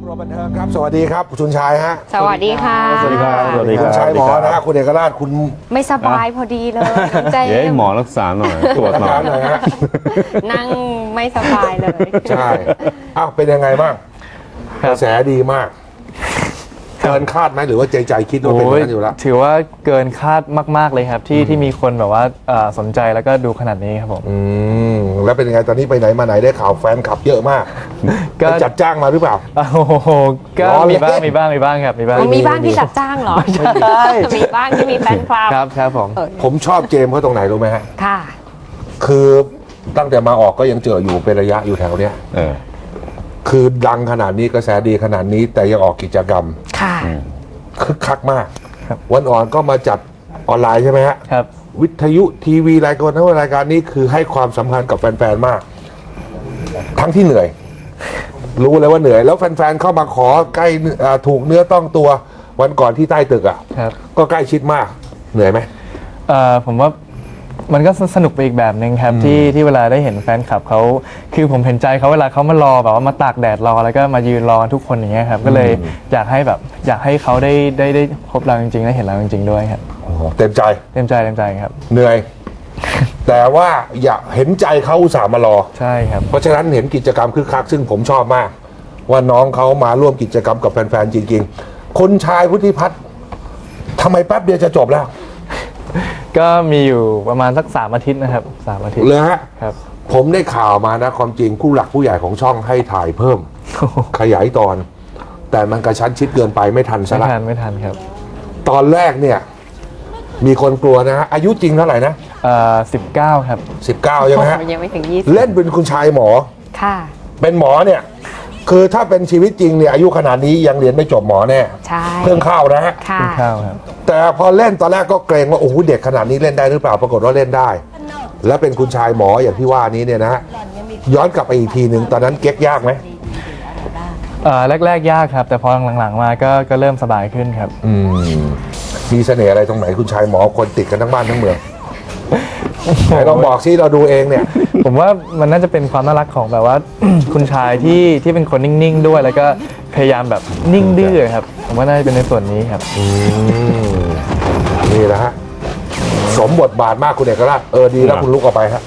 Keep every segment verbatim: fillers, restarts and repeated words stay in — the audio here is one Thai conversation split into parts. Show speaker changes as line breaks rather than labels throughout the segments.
รวมบันเทิงครับสวัสดีครับคุณชายฮะ
สวัสดีค่ะ
สวัสดีครับสวัสดีครับ
คุณชายหมอนะฮะคุณเอกราชคุณ
ไม่สบายพอดีเลยใจ
เดี๋ยวหมอรักษาหน่อยตรวจหน่อย
หน่อยฮะ
นั่งไม่สบายเลย
ใช่อ้าวเป็นยังไงบ้างกระแสดีมากเกินคาดไหมหรือว่าใจใจคิดว่าเป็นอย่างนั้นอยู่แล้ว
ถือว่าเกินคาดมากๆเลยครับที่ที่มีคนแบบว่าสนใจแล้วก็ดูขนาดนี้ครับผม
อืมแล้วเป็นยังไงตอนนี้ไปไหนมาไหนได้ข่าวแฟนคลับเยอะมากก็จัดจ้างมาหรือเปล่า
โอ้โหก็มีบ้างมีบ้างมีบ้างครับมีบ้าง
มีบ้างที่จัดจ้างเหรอใช่มีบ้างที่มีแฟนคลับ
ครับครับผม
ผมชอบเจมส์เขาตรงไหนรู้ไหมฮะ
ค่ะ
คือตั้งแต่มาออกก็ยังเจออยู่เป็นระยะอยู่แถวเนี้ย
เออ
คือดังขนาดนี้กระแสดีขนาดนี้แต่ยังออกกิจกรรม
ค่ะ
คึกคักมากวันอ่อนก็มาจัดออนไลน์ใช่ไหมฮะ
ครับ
วิทยุทีวีรายการทั้งรายการนี้คือให้ความสำคัญกับแฟนๆมาก ทั้งที่เหนื่อย รู้เลยว่าเหนื่อยแล้วแฟนๆเข้ามาขอใกล้ถูกเนื้อต้องตัววันก่อนที่ใต้ตึกอ่ะก็ใกล้ชิดมากเหนื่อยไหม
เอ่อผมว่ามันก็สนุกไปอีกแบบหนึ่งครับที่ที่เวลาได้เห็นแฟนคลับเขาคือผมเห็นใจเขาเวลาเขามารอแบบว่ามาตากแดดรอแล้วก็มายืนรอทุกคนอย่างเงี้ยครับก็เลยอยากให้แบบอยากให้เขาได้ได้ได้พบเราจริงๆได้เห็นเราจริงๆด้วยครับ
เต็มใจ
เต็มใจเต็มใจครับ
เหนื่อย แต่ว่าอยากเห็นใจเขาอุตส่าห์มารอ
ใช่ครับ
เพราะฉะนั้นเห็นกิจกรรมคึกคักซึ่งผมชอบมาก ว่าน้องเขามาร่วมกิจกรรมกับแฟนๆจริงๆคนชายพุทธิพัฒน์ทำไมแป๊บเดียวจะจบแล้ว
ก็มีอยู่ประมาณสักสามอาทิตย์นะครับสามอาทิตย์
เลยฮะ
ครับ
ผมได้ข่าวมานะความจริงผู้หลักผู้ใหญ่ของช่องให้ถ่ายเพิ่ม ขยายตอน แต่มันกระชั้นชิดเกินไปไม่ทันซะละ
ไม่ทันไม่ทันครับ
ตอนแรกเนี่ยมีคนกลัวนะฮะอายุจริงเท่าไหร่นะ
เอ่อสิบเก้าครับ
สิบเก้าใช่ไหมฮะ
ยังไม่ถึงยี่สิบ
เล่นเป็นคุณชายหมอ
ค่ะ
เป็นหมอเนี่ยคือถ้าเป็นชีวิตจริงเนี่ยอายุขนาดนี้ยังเรียนไม่จบหมอแน่
ใช่
เพิ่งเข้านะฮะ
เพิ่
งเข้าครับ
แต่พอเล่นตอนแรกก็เกรงว่าโอ้โหเด็กขนาดนี้เล่นได้หรือเปล่าปรากฏว่าเล่นได้ และเป็นคุณชายหมออย่างที่ว่านี้เนี่ยนะฮะย้อนกลับไปอีกทีหนึ่งตอนนั้นเก๊กยากไหม
เอ่อแรกๆยากครับแต่พอหลังๆมาก็ก็เริ่มสบายขึ้นครับ
อืมมีเสน่ห์อะไรตรงไหนคุณชายหมอคนติดกันทั้งบ้านทั้งเมืองไหนลองบอกซิเราดูเองเนี่ย
ผมว่ามันน่าจะเป็นความน่ารักของแบบว่า คุณชายที่ที่เป็นคนนิ่งๆด้วยแล้วก็พยายามแบบนิ่งดื้อครับผมว่าน่าจะเป็นในส่วนนี้ครับ
อืมนี่แหละฮะสมบทบาทมากคุณเอกราชเออดีแล้วคุณลุกออกไปฮะ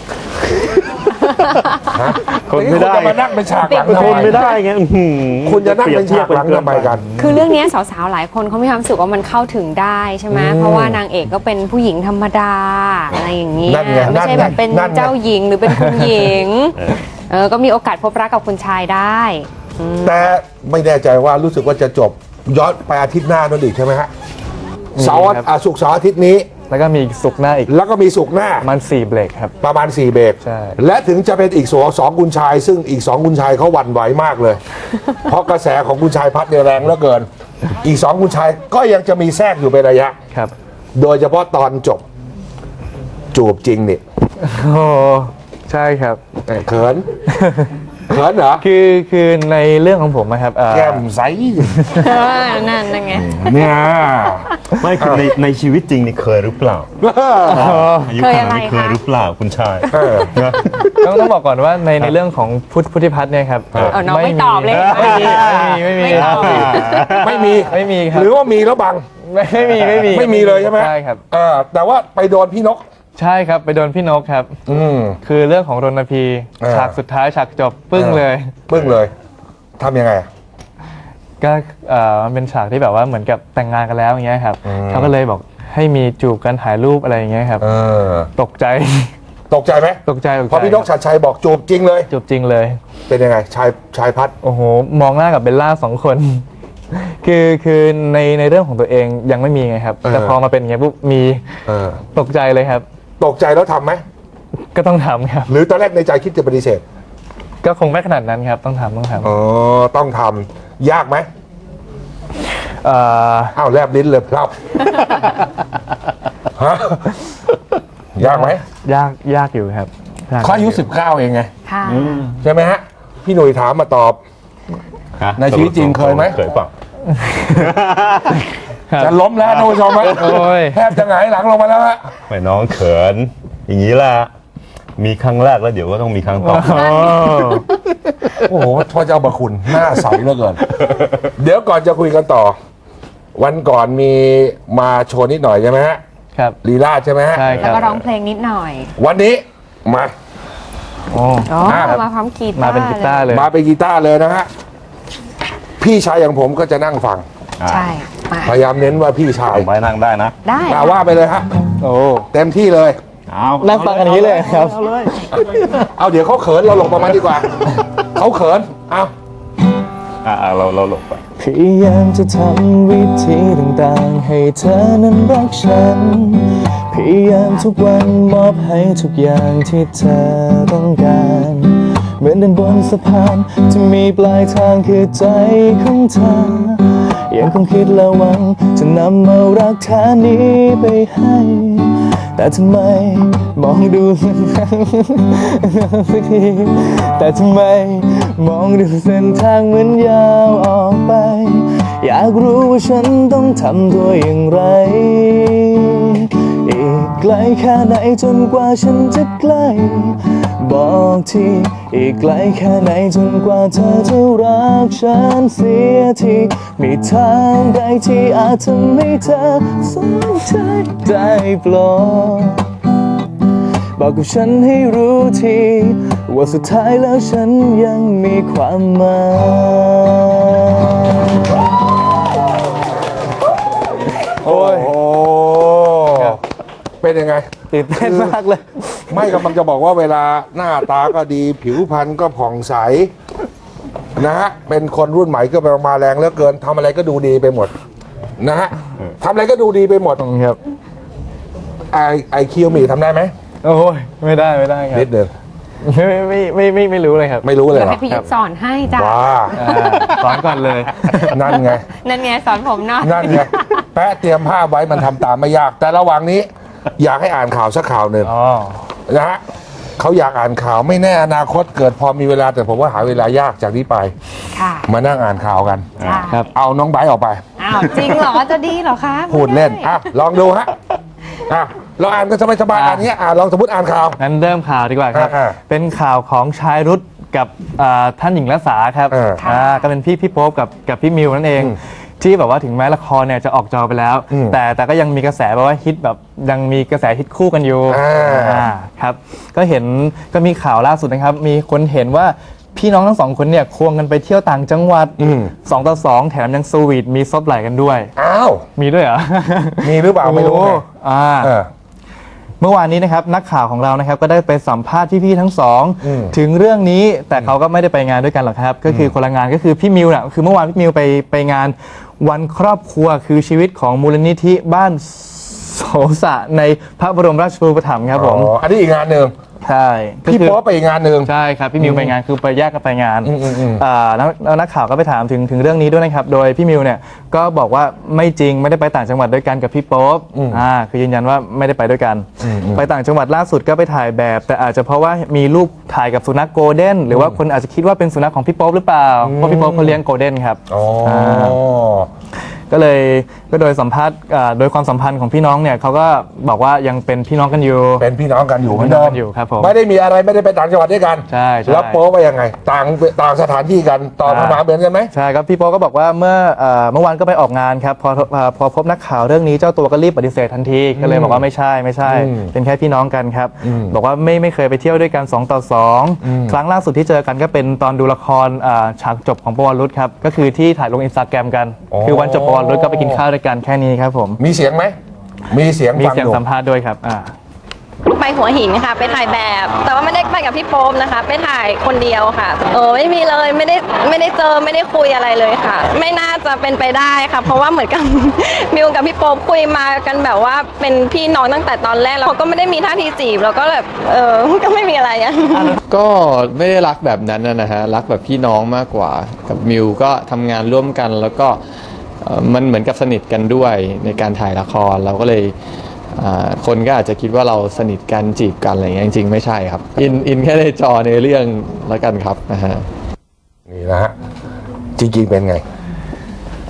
คนไม่ได้
มานั่งเป็นฉากหลังทำไม
ไม่ได้ไง
คุณจะนั่งเป็นฉากหลังทำไมกัน
คือเรื่องนี้สาวๆหลายคนเขามีความรู้สึกว่ามันเข้าถึงได้ใช่ไหมเพราะว่านางเอกก็เป็นผู้หญิงธรรมดาอะไรอย่างนี้ไม่ใช่แบบเป็นเจ้าหญิงหรือเป็นคุณหญิงเออก็มีโอกาสพบรักกับคุณชายได้
แต่ไม่แน่ใจว่ารู้สึกว่าจะจบย้อนไปอาทิตย์หน้านั่นอีกใช่ไหมฮะเสาร์ศุกร์เสาร์อาทิตย์นี้
แล้วก็มีสุกหน้าอีก
แล้วก็มีสุกหน้า
มันสี่เบรกครับ
ประมาณสี่เบรก
ใช่
และถึงจะเป็นอีกสองสองคุณชายซึ่งอีกสองคุณชายเขาหวั่นไหวมากเลย เพราะกระแสของคุณชายพัดเนี่ยแรงเหลือเกินอีกสองคุณชายก็ยังจะมีแทรกอยู่เป็นระยะ
ครับ
โดยเฉพาะตอนจบจูบจริงนี่
โอ้ใช่ครับ
เขินเขินเหรอ
คือคือในเรื่องของผมนะครับ
แก้มใส
นั่นนั่นไง
เนี่ย
ไม่คือในในชีวิตจริงนี่เคยหรือเปล่า
เคยอะไร
เคยหรือเปล่าคุณชาย
ต้องต้องบอกก่อนว่าในในเรื่องของพุทธพุทธิพัฒน์เนี่ยครับ
น้องไม่ตอบเลย
ไม่มีไม่มี
ไม่มี
ไม่มีครับ
หรือว่ามีแล้วบัง
ไม่มีไม่มี
ไม่มีเลยใช่ไหม
ใช่ครับ
แต่ว่าไปโดนพี่นก
ใช่ครับไปโดนพี่นกครับ
อืม
คือเรื่องของรณพีฉากสุดท้ายฉากจบปึ้งเลย
ปึ้งเลยทำยังไง
ก็เอ่อมันเป็นฉากที่แบบว่าเหมือนกับแต่งงานกันแล้วอย่างเงี้ยครับเขาก็เลยบอกให้มีจูบกันถ่ายรูปอะไรอย่างเงี้ยครับตกใจ
ตกใจไหม
ตกใจ
พอพี่นกชัดชัยบอกจูบจริงเลย
จูบจริงเลย
เป็นยังไงชายชายพัด
โอ้โหมองหน้ากับเบลล่าสองคนคือคือในในเรื่องของตัวเองยังไม่มีไงครับแต่พอมาเป็นอย่างเงี้ยปุ๊บมีตกใจเลยครับ
ตกใจแล้วทำไหม
ก็ต้องทำครับ
หรือตอนแรกในใจคิดจะปฏิเสธ
ก็คงไม่ขนาดนั้นครับต้องทำต้องทำ
อ๋อต้องทำยากไหม
เอ่อ
อ้าวแลบลิ้นเลยครับฮะยากไหม
ยากยากอยู่ครับ
เขาอายุสิบเก้าเองไงใช่ไหมฮะพี่หนุ่ยถามมาตอบในชีวิตจริงเคยไหม
เคยเปล่า
จะล้มแล้วท่านผู้ชมไหมแทบจะหงายหลังลงมาแล้วฮะ
ไม่น้องเขินอย่างนี้แหละมีครั้งแรกแล้วเดี๋ยวก็ต้องมีครั้งต่อ
โอ้โหพระเจ้าประคุณหน้าใสเหลือเกิน เดี๋ยวก่อนจะคุยกันต่อ วันก่อนมีมาโชว์นิดหน่อยใช่ไหมฮะ
ครับ
ลีลาใช่ไหมฮะ
ใช่ค
แล้
รั
ว
บ
ก็ร้องเพลงนิดหน่อย
วันนี้มา
โอ้
อ๋อ
อ่า
มาพร้อมกีตาร์
มาเป็นกีตาร์เลย
มาเป็นกีตาร์เลยนะฮะ พี่ชายอย่างผมก็จะนั่งฟัง
ใช่มา
พยายามเน้นว่าพี่ชาย
ไว้นั่งได้นะ
ได้
มาว่าไปเลยฮะ
โอ้
เต็มที่เลย
เอา
นั่งฟังกันอย่างนี้เลยครับ
เอาเลย
เอาเดี๋ยวเขาเขินเราหลบประมาณดีกว่า เขาเขินเอา
อ่าเราเราหลบไป
พยายามจะทำวิธีต่างๆให้เธอนั้นรักฉัน พยายามทุกวันมอบให้ทุกอย่างที่เธอต้องการ เหมือนเดินบนสะพานที่มีปลายทางคือใจของเธอ ยังคงคิดและหวังจะนำเอารักแท้นี้ไปให้ แต่ทำไมมองดูสักทีแต่ทำไมมองดูเส้นทางเหมือนยาวออกไป อยากรู้ว่าฉันต้องทำตัวอย่างไร อีกไกลแค่ไหนจนกว่าฉันจะใกล้ บอกทีอีกไกลแค่ไหนจนกว่าเธอจะรักฉันเสียทีมีทางใดที่อาจทำให้เธอสนใจได้โปรดบอกกับฉันให้รู้ทีว่าสุดท้ายแล้วฉันยังมีความหมาย โอ้ย
โอ้เป็นยังไง
ตื่นเต้นมากเลย
ไม่กำลังจะบอกว่าเวลาหน้าตาก็ดีผิวพรรณก็ผ่องใสนะฮะเป็นคนรุ่นใหม่ก็ไปมาแรงเหลือเกินทำอะไรก็ดูดีไปหมดนะฮะทำอะไรก็ดูดีไปหมด
ครับ
ไอไอคิวมีทำได้ไหม
โอ้ยไม่ได้ไม่ได้ครับ
นิดเดียว
ไม่ไม่ไม่ไม่ไม่รู้เลยครับ
ไม่รู้เลย
เดี๋ยว
เหรอ
ให้พี่ยุทธสอนให้จ้ะ
ว้า
อ่าสอนก่อนเลย
นั่นไง
นั่นไงสอนผมหน่อย
นั่นไงแปะเตรียมภาพไว้มันทำตามไม่ยาก แต่ระหว่างนี้ อยากให้อ่านข่าวสักข่าวหนึ่ง
อ๋อ
นะฮะเขาอยากอ่านข่าวไม่แน่อนาคตเกิดพอมีเวลาแต่ผมว่าหาเวลายากจากนี้ไป
ค่ะ
มานั่งอ่านข่าวกัน
จ้ะ
ครับ
เอาน้องไบร์ทออกไป
อ้าวจริงเหรอจะดีเหรอคะ
พูดเล่น
ไม่ไ
อ่ะลองดูฮะอ่ะเราอ่านกันสบายๆอ่านเนี้ยอ่ะลองสมมติอ่านข่าว
งั้นเริ่มข่าวดีกว่าครับ
อ่า
เป็นข่าวของชายรุธกับอ่าท่านหญิงรัษาครับ
เออ
อ่าก็เป็นพี่พี่โป๊ปกับกับพี่มิวนั่นเอง
อืม
ที่แบบว่าถึงแม้ละครเนี่ยจะออกจอไปแล้ว
อืม
แต่แต่ก็ยังมีกระแสแบบว่าฮิตแบบยังมีกระแสฮิตคู่กันอยู่
อ่า
อ่าครับก็เห็นก็มีข่าวล่าสุดนะครับ มีคนเห็นว่าพี่น้องทั้งสองคนเนี่ยควงกันไปเที่ยวต่างจังหวัด
อืม
สองต่อสองแถมยังสวีทมีซบไหล่กันด้วย
อ้าว
มีด้วยเหรอ
มีหรือเปล่าไม่รู้ไง
โอ้อ่า
เออ
เมื่อวานนี้นะครับนักข่าวของเรานะครับก็ได้ไปสัมภาษณ์พี่ๆทั้งสอง
อืม
ถึงเรื่องนี้แต่เขาก็ไม่ได้ไปงานด้วยกันหรอกครับ ก็คือคนละงานก็คือพี่มิวน่ะคือเมื่อวานพี่มิวไปไปงานวันครอบครัวคือชีวิตของมูลนิธิบ้านโสสะในพระบรมราชูปถัมภ์ครับผม
อ๋ออันนี้อีกงานหนึ่ง
ใช่ก็
พี่
คือ
โป๊ปไปอีกงานหนึ่ง
ใช่ครับพี่มิวไปงานคือไปแยกกันไปงาน
อืมอืมอืม
อ่าแล้วแล้วนักข่าวก็ไปถามถึงถึงเรื่องนี้ด้วยนะครับโดยพี่มิวเนี่ยก็บอกว่าไม่จริงไม่ได้ไปต่างจังหวัดด้วยกันกับพี่โป๊ปอ่าคือยืนยันว่าไม่ได้ไปด้วยกัน ไปต่างจังหวัดล่าสุดก็ไปถ่ายแบบ แต่อาจจะเพราะว่ามีรูปถ่ายกับสุนัขโกลเด้นหรือว่าคนอาจจะคิดว่าเป็นสุนัขของพี่โป๊ปหรือเปล่าเพราะพี่โป๊ปเขาเลี้ยงโกลเด้นครับ
อ๋ออา
ก็เลยก็โดยสัมภาษณ์อ่าโดยความสัมพันธ์ของพี่น้องเนี่ยเขาก็บอกว่ายังเป็นพี่น้องกันอยู่
เป็นพี่น้องกันอยู่เหมือน
พี่น้
เดิ
อง
ม
กันอยู่ครับผม
ไม่ได้มีอะไรไม่ได้ไปต่างจังหวัดด้วยกัน
ใช่ใช่
แล้วโป๊ปว่ายังไง ต่างต่างสถานที่กันตอบมาเหมือนกันไหม
ใช่ครับพี่โป๊ก็บอกว่าเมื่อเอ่อเมื่อวานก็ไปออกงานครับพอพอพอพบนักข่าวเรื่องนี้เจ้าตัวก็รีบปฏิเสธทันทีก็เลยบอกว่าไม่ใช่ไม่ใช่
อืม
เป็นแค่พี่น้องกันครับ
อืม
บอกว่าไม่ไม่เคยไปเที่ยวด้วยกันสองต่อสอง
อืม
ครั้งล่าสุดที่เจอกันก็เป็นตอนดูละครอ่าฉากจบของปวรุษครับก็คือที่ถ่ายลงอินสตาแกรมกัน คือวันจบปวรุษก็ไปกินข้าวด้วยกันแค่นี้ครับผม
มีเสียงไหมมีเสียง
มี
ฟัง
เสียง
อยู่
สัมภาษณ์ด้วยครับอ่า
ไปหัวหินค่ะไปถ่ายแบบ แต่ว่าไม่ได้ไปกับพี่โป๊มนะคะ ไปถ่ายคนเดียวค่ะเออไม่มีเลยไม่ได้ไม่ได้เจอไม่ได้คุยอะไรเลยค่ะ ไม่น่าจะเป็นไปได้ค่ะ เพราะว่าเหมือนกับ มิวกับพี่โป๊มคุยมากันแบบว่าเป็นพี่น้องตั้งแต่ตอนแรกแล้วเขาก็ไม่ได้มีท่าทีจีบแล้วก็แบบเออ ก็ไม่มีอะไรอะ
ก็ไม่ได้รักแบบนั้นนะฮะรักแบบพี่น้องมากกว่ากับมิวก็ทำงานร่วมกันแล้วก็เอ่อมันเหมือนกับสนิทกันด้วยในการถ่ายละครเราก็เลยอ่าคนก็อาจจะคิดว่าเราสนิทกันจีบกันอะไรอย่างเงี้ยจริงๆไม่ใช่ครับอินอินแค่ในจอในเรื่องแล้วกันครับนะฮะ
นี่นะฮะจริงๆเป็นไง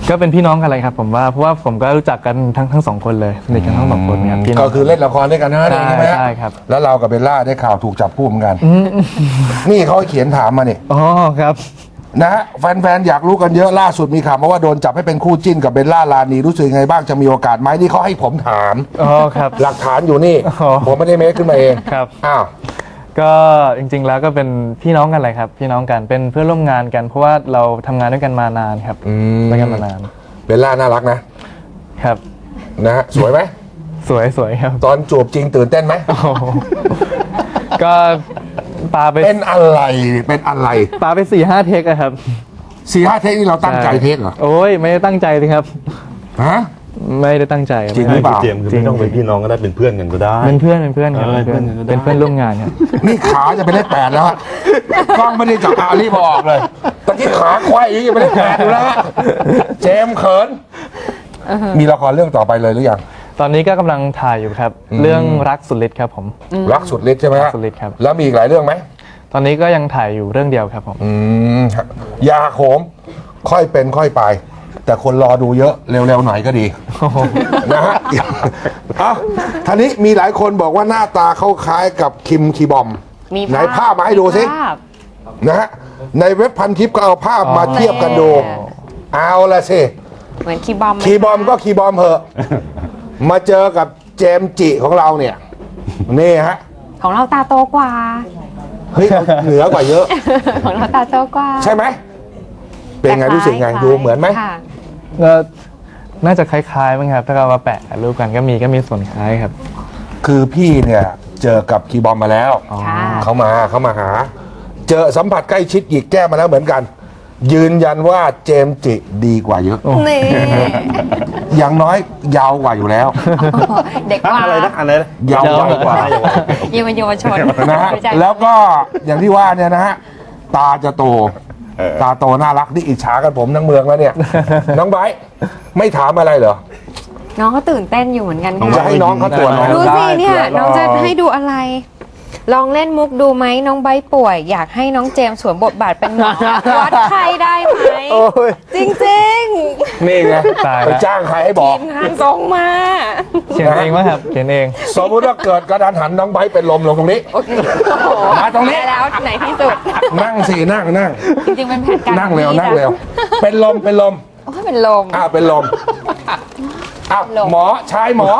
ก็เป็นพี่น้องกันเลยครับผมว่าเพราะว่าผมก็รู้จักกันทั้งทั้งสองคนเลยสนิทกันทั้งสองคนครับพี่น้
ก็
อง
คือเล่นละครด้วยกันนะ
ใช่
ใช่ไหมฮะ
ใช่ครับ
แล้วเรากับเบลล่าได้ข่าวถูกจับคู่เหมือนกัน นี่เขาเขียนถามมาเนี่ย
อ๋อครับ
นะฮะแฟนๆอยากรู้กันเยอะล่าสุดมีข่าวมาว่าโดนจับให้เป็นคู่จิ้นกับเบลล่าลานีรู้สึกยังไงบ้างจะมีโอกาสไหมนี่เขาให้ผมถาม
อ๋อครับ
หลักฐานอยู่นี่
อ๋อ
ผมไม่ได้เมคขึ้นมาเอง
ครับ
อ้าว
ก็จริงๆแล้วก็เป็นพี่น้องกันเลยครับ พี่น้องกันเป็นเพื่อนร่วมงานกัน เพราะว่าเราทำงานด้วยกันมานานครับ
อืม
ด้วยกันมานาน
เบลล่าน่ารักนะครับ นะฮะสวยไหม
สวยสวยครับ
ตอนจูบจริงตื่นเต้นไหม
โอ้โหก็ปาไป
เป็นอะไรเป็นอะไร
ปาไปสี่ห้าเทคอะครับ
สี่ห้าเทคนี่เราตั้งใจเทคเหรอ
โอ้ยไม่ได้ตั้งใจเลยครับ
ฮะ
ไม่ได้ตั้งใจ
จริงหรือเปล่า
เจมส์คือไม่ต้องเป็นพี่น้องก็ได้เป็นเพื่อนกันก็ได้
เป็นเพื่อนเป็นเพื่อนครับ
เออ
เป็นเพื่อน
เพื่อนกันก็ได้
เป็นเพื่อนร่วมงานครับ
นี่ขาจะไปได้แปดแล้วอะกล้องไม่ได้จับอารีบออกเลยตอนที่ขาควายอีกยังไม่ได้แปดอยู่แล้วอะเจมส์เขินมีละครเรื่องต่อไปเลยหรือยัง
ตอนนี้ก็กำลังถ่ายอยู่ครับ เรื่องรักสุดฤทธิ์ครับผม
รักสุดฤทธิ์ใช่ไหมฮะ
รักสุดฤทธิ์ครับ
แล้วมีอีกหลายเรื่องไหม
ตอนนี้ก็ยังถ่ายอยู่เรื่องเดียวครับผม
อืมครับยาโขมค่อยเป็นค่อยไป แต่คนรอดูเยอะเร็วๆหน่อยก็ดีนะฮะเอ้าท่านี้มีหลายคนบอกว่าหน้าตาเขาคล้ายกับคิมคีบอม
มี
ไหนภาพมาให้ดูสิ
ภาพ
นะฮะในเว็บพันทิปก็เอาภาพมาเทียบกันดู เอาละสิ
เหมือนคีย์บอมไห
คีย์บอมก็คีย์บอมเหอะ มาเจอกับเจมส์จิของเราเนี่ย นี่ฮะ
ของเราตาโตกว่า
เฮ้ยเราเหนือกว่าเยอะ
ของเราตาโตกว่า
ใช่ไหม เป็นไง
แต่คล้าย
รู้สึกไง
คล้าย
ดูเหมือนไหม
ค่ะ
ก็น่าจะคล้ายๆมั้งครับ ถ้าเรามาแปะรูปกันก็มีก็มีส่วนคล้ายครับ
คือพี่เนี่ยเจอกับคีย์บอมมาแล้ว
ค่ะ
เขามาเขามาหา เจอสัมผัสใกล้ชิดหยิกแก้มมาแล้วเหมือนกัน ยืนยันว่าเจมส์จิดีกว่าเยอะ
นี่
อย่างน้อยยาวกว่าอยู่แล้ว
เด็กกว่า
อะไรนะอะไรนะ
ยาวใหญ่กว่า
เยาวเยาวชน
นะฮะ
ไม่ใช่
แล้วก็อย่างที่ว่าเนี่ยนะฮะตาจะโต ตาโตน่ารักนี่อิจฉากันผมทั้งเมืองแล้วเนี่ย น้องไบร์ทไม่ถามอะไรเหรอ
น้องก็ตื่นเต้นอยู่เหมือนกัน
จะ
ค่ะ
ให้น้องเขาตรวจไหม
ดูสิเนี่ย
ได้
น้องจะให้ดูอะไร ลองเล่นมุกดูไหมน้องใบป่วย อยากให้น้องเจมส์สวมบทบาทเป็นหมอวัดไข้ได้ไหม
โอ้ย
จริง
นี่ไง
ตาย
ไป
ละ
จ้างใครให้บ
ๆ
อ
ที
ก
มงานส่งมา
เขียนเองมั้งครับ เขียนเอง
สมมติว่าเกิดกระดานหันน้องไบร์ทเป็นลมลงตรงนี้
โอ้โห
มาตรงนี้
ได้แล้วไหนที่สุด
นั่งสินั่งนั่ง
จริงๆเป็นแผนการ
นั่งเร็ว
ดีะ
นั่งเร็ว เป็นลมเป็นลม
โอ้ยเป็นลม
อ้าวเป็นลมอ้าว
ลม
หมอชายหมอ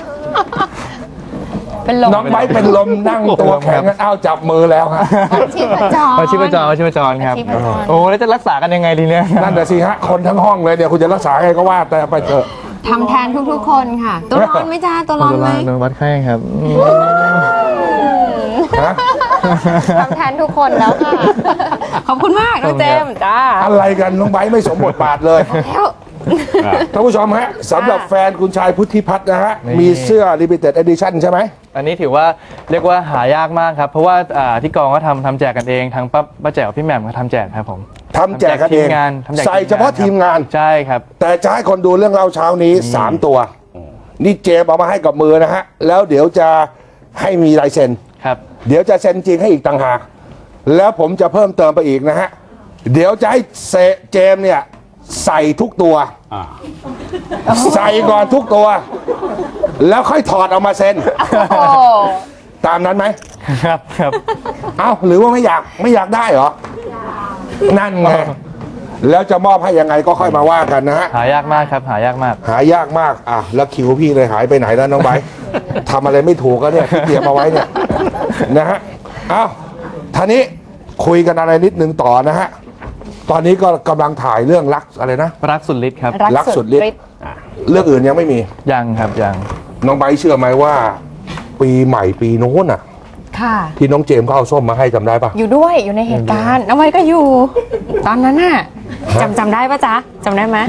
เป็นลม
น้องไบร์ทเป็นลมนั่งตัวแข็งอ้าวจับมือแล้วฮะ
ชีพจร
เอาชีพจรเอาชีพจรครับ
ชีพจร
โอ้แล้วจะรักษากันยังไงดีเนี่ย
นั่นแต่ะสิฮะคนทั้งห้องเลยเนี่ยคุณจะรักษาไงก็ว่าแต่ไปเถอะ
ทำแทนทุกๆคนค่ะ ตัวร้อนไหมจ้าตัวร้อนไหม
โดนวัดไข้ครับ
ฮะ
ทำแทนทุกคนแล้วค่ะ ขอบคุณมากน้องเจมส์จ้า
อะไรกันน้องไบร์ทไม่สมบทบาทเลย
แล้ว
ท่านผู้ชมฮะสำหรับ
ค่ะ
แฟนคุณชายพุทธิพัฒน์นะฮะ
นี่
มีเสื้อ Limited Edition ใช่ไหม
อันนี้ถือว่าเรียกว่าหายากมากครับ เพราะว่าอ่าที่กองก็ทำทำแจกกันเองทั้งป้าป้าแจ๋วพี่แหม่มก็ทำแจกครับผม
ทำแจกกันเอง
ทีมงานทำแจก
ใส่เฉพาะทีมงาน
ใช่ครับ
แต่จะให้คนดูเรื่องเล่าเช้านี้ 3 ตัว นี่เจมเอามาให้กับมือนะฮะ แล้วเดี๋ยวจะให้มีลายเซ็น
ครับ
เดี๋ยวจะเซ็นจริงให้อีกต่างหาก แล้วผมจะเพิ่มเติมไปอีกนะฮะ เดี๋ยวจะให้เซเจมเนี่ยใส่ทุกตัว ใส่ก่อนทุกตัว แล้วค่อยถอดออกมาเซ็น
โอ้
ตามนั้นไหม
ครับครับ
เอ้าหรือว่าไม่อยากไม่อยากได้เหรอ นั่นไง แล้วจะมอบให้ยังไงก็ค่อยมาว่ากันนะฮะ
หายากมากครับ หายากมาก
หายากมาก อ่ะ แล้วคิวพี่เลยหายไปไหนแล้วน้องไบร์ท ทำอะไรไม่ถูกก็เนี่ยที่เตรียมเอาไว้เนี่ย นะฮะ เอ้าท่านี้คุยกันอะไรนิดนึงต่อนะฮะ ตอนนี้ก็กำลังถ่ายเรื่องรักอะไรนะ
รักสุดฤทธิ์ครับ
รักสุดฤทธิ์ เรื่องอื่นยังไม่มี
ยังครับยัง
น้องไบร์ทเชื่อไหมว่า ปีใหม่ปีโน้นน่ะ
ค่ะ
ที่น้องเจมส์เขาเอาส้มมาให้จำได้ปะ
อยู่ด้วยอยู่ในเหตุการณ์น้องไว้ก็อยู่ ตอนนั้นน่ะจำจำได้ปะจ๊ะจำได้ไหม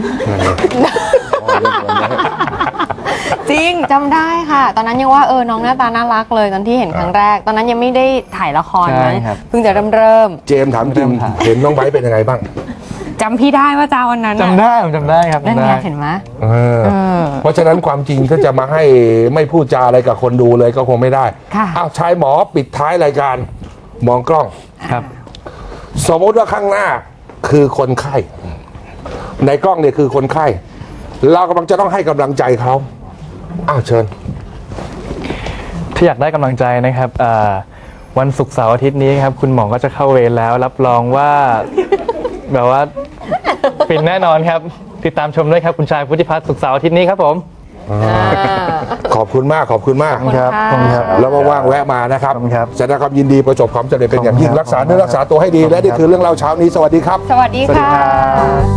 จริงจำได้ค่ะ ตอนนั้นยังว่าเออน้องหน้าตาน่ารักเลยตอนที่เห็นครั้งแรก ตอนนั้นยังไม่ได้ถ่ายละคร
ใช่
นะครับ เพิ่งจะเริ่มเริ่ม
เจมส์ถามจริง เห็นน้องไบร์ทเป็นยังไงบ้าง
จำพี่ได้ว่าจ้าวันนั้นน่ะ
จำได้ผมจำได้ครับ
นั่น
จำ
ไง
ได้
เห็นไหม
เออ
เออ
เพราะฉะนั้นความจริงถ้าจะมาให้ไม่พูดจาอะไรกับคนดูเลยก็คงไม่ได้
ค่ะ
อ้าวชายหมอปิดท้ายรายการ มองกล้อง
ครับ
สมมติว่าข้างหน้าคือคนไข้ในกล้องเนี่ยคือคนไข้ เรากำลังจะต้องให้กำลังใจเขาอ้าวเชิญ
ที่อยากได้กำลังใจนะครับอ่าวันศุกร์เสาร์อาทิตย์นี้ครับคุณหมอก็จะเข้าเวรแล้วรับรองว่า แบบว่าฟินแน่นอนครับติดตามชมด้วยครับคุณชายพุทธิพัฒน์ศุกร์เสาร์อาทิตย์นี้ครับผม
ขอบคุณมากขอบคุณมาก
ขอบคุณค่ะ
ขอบคุณครับ
แล้วว่างๆแวะมานะครับ
ขอบคุณครับ
แสดงความยินดีประสบความสำเร็จเป็นอย่างยิ่ง
ขอบคุณครับ
รักษาเนื้อรักษาตัวให้ดี และนี่คือเรื่องเล่าเช้านี้สวัสดีครับ
สวัสดี
สวัสดี
ค่ะ
ครับ